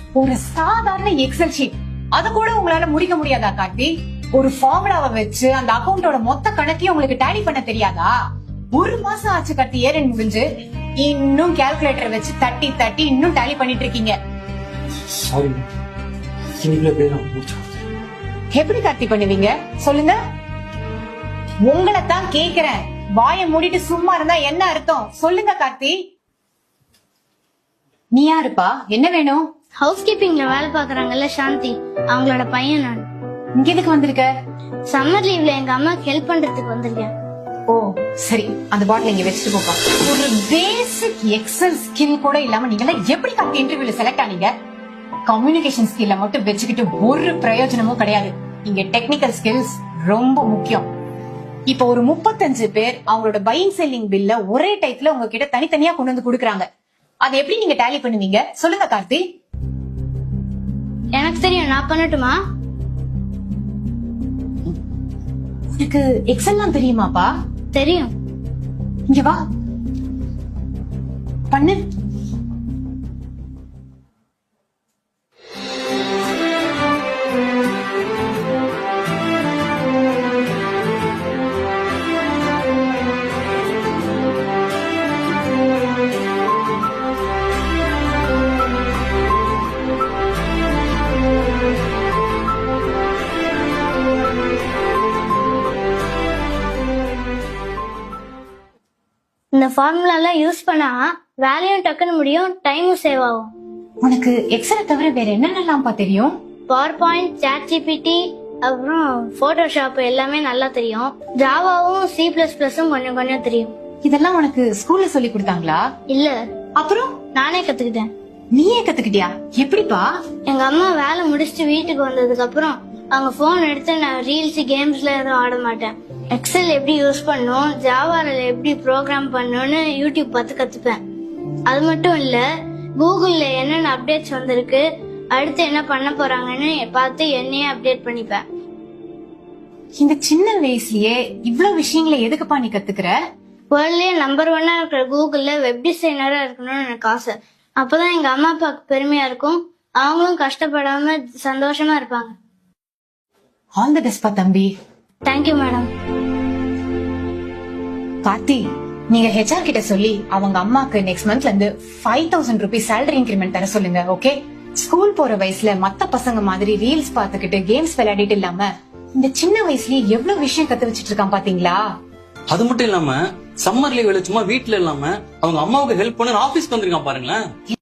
ஒரு சாதாரண Excel sheet அத கூட உங்களால முடிக்க முடியாதா கார்த்தி? ஒரு ஃபார்முலாவை வச்சு அந்த அக்கவுண்டோட மொத்த கணக்கையும் உங்களுக்கு டேலி பண்ண தெரியாதா? ஒரு மாசம் ஆச்சு கார்த்தி ஏறன் முடிஞ்சு, இன்னும் கால்குலேட்டர் வச்சு தட்டி தட்டி இன்னும் டேலி பண்ணிட்டு இருக்கீங்க. சாரி, எப்படி கார்த்தி பண்ணுவீங்க சொல்லுங்க? உங்களை தான் கேக்குறேன். வாயை மூடிட்டு சும்மா இருந்தா என்ன அர்த்தம் சொல்லுங்க கார்த்தி. நீ யாருப்பா? என்ன வேணும்? ஹவுஸ் கீப்பிங்ல வேலை பாக்குறாங்கல்ல சாந்தி, அவங்களோட பையன் நான். இங்க எதுக்கு வந்திருக்க? சம்மர் லீவ்ல எங்க அம்மாக்கு ஹெல்ப் பண்றதுக்கு வந்திருக்கேன். ஓ சரி, அந்த பாட்டில் இங்க வச்சுட்டு போப்பா. ஒரு பேசிக் எக்ஸல் ஸ்கில் கூட இல்லாம நீங்க எப்படி கார்த்தி இன்டர்வியூல செலக்ட் ஆனீங்க? கம்யூனிகேஷன் ஸ்கில்ல மட்டும் வச்சுக்கிட்டு ஒரு பிரயோஜனமும் கிடையாது. இங்க டெக்னிக்கல் ஸ்கில்ஸ் ரொம்ப முக்கியம். இப்ப ஒரு 35 பேர் அவங்களோட பையிங் செல்லிங் பில்ல ஒரே டைப்ல உங்ககிட்ட தனித்தனியா கொண்டு வந்து குடுக்குறாங்க. அதை எப்படி நீங்க டேலி பண்ணுவீங்க சொல்லுங்க கார்த்தி? எனக்கு தெரியும், நான் பண்ணட்டுமா? உனக்கு எக்ஸல்லாம் தெரியுமாப்பா? தெரியும். இங்க வா, பண்ணு. இந்த ஃபார்முலா எல்லாம் யூஸ் பண்ணா வேலையும் டக்குன்னு முடியும், டைமும் சேவ் ஆகும். உனக்கு எக்ஸலை தவிர வேற என்னென்னலாம்ப்பா தெரியும்? பவர் பாயிண்ட், சாட் ஜிபிடி, அப்புறம் போட்டோஷாப் எல்லாமே நல்லா தெரியும். ஜாவாவும் C++ம் கொஞ்சம் கொஞ்சம் தெரியும். இதெல்லாம் உனக்கு ஸ்கூல்ல சொல்லி கொடுத்தாங்களா? இல்ல, அப்புறம் நானே கத்துக்கிட்டேன். நீயே கத்துக்கிட்டியா? எப்படிப்பா? எங்க அம்மா வேலை முடிச்சுட்டு வீட்டுக்கு வந்ததுக்கு அப்புறம் அவங்க போன் எடுத்து நான் ரீல்ஸ் கேம்ஸ்ல எதுவும் ஆட மாட்டேன். எக்ஸல் எப்படி யூஸ் பண்ணும், ஜாவால எப்படி ப்ரோக்ராம் பண்ணணும்னு யூடியூப் பார்த்து கத்துப்பேன். அது மட்டும் இல்ல, கூகுள்ல என்னென்ன அப்டேட்ஸ் வந்திருக்கு, அடுத்து என்ன பண்ண போறாங்கன்னு பார்த்து என்னையே அப்டேட் பண்ணிப்பேன். இந்த சின்ன வயசுலயே இவ்வளவு விஷயங்களை எதுக்குப்பா நீ கத்துக்கிற? வேர்ல்ட்லயே நம்பர் 1 இருக்கிற கூகுள்ல வெப் டிசைனரா இருக்கணும்னு எனக்கு ஆசை. அப்பதான் எங்க அம்மா அப்பாவுக்கு பெருமையா இருக்கும், அவங்களும் கஷ்டப்படாம சந்தோஷமா இருப்பாங்க. ஆல் தி பெஸ்ட் பா தம்பி. Thank you madam. கார்த்தி, நீங்க HR கிட்ட சொல்லி அவங்க அம்மாக்கு நெக்ஸ்ட் மந்த்ல இருந்து 5000 ரூபீஸ் சேலரி இன்கிரிமெண்ட் தர சொல்லுங்க. ஓகே? ஸ்கூல் போற வயசுல மத்த பசங்க மாதிரி ரீல்ஸ் பாத்துக்கிட்டு கேம்ஸ் விளையாடிட்டு இல்லாம இந்த சின்ன வயசுலயே எவ்வளவு விஷயம் கத்து வச்சிட்டு இருக்கான் பாத்தீங்களா? அது மட்டும் இல்லாம சம்மர் லீவ் சும்மா வீட்டுல இல்லாம அவங்க அம்மாவுக்கு ஹெல்ப் பண்ண ஆபீஸ்க்கு வந்திருக்கான் பாருங்களேன்.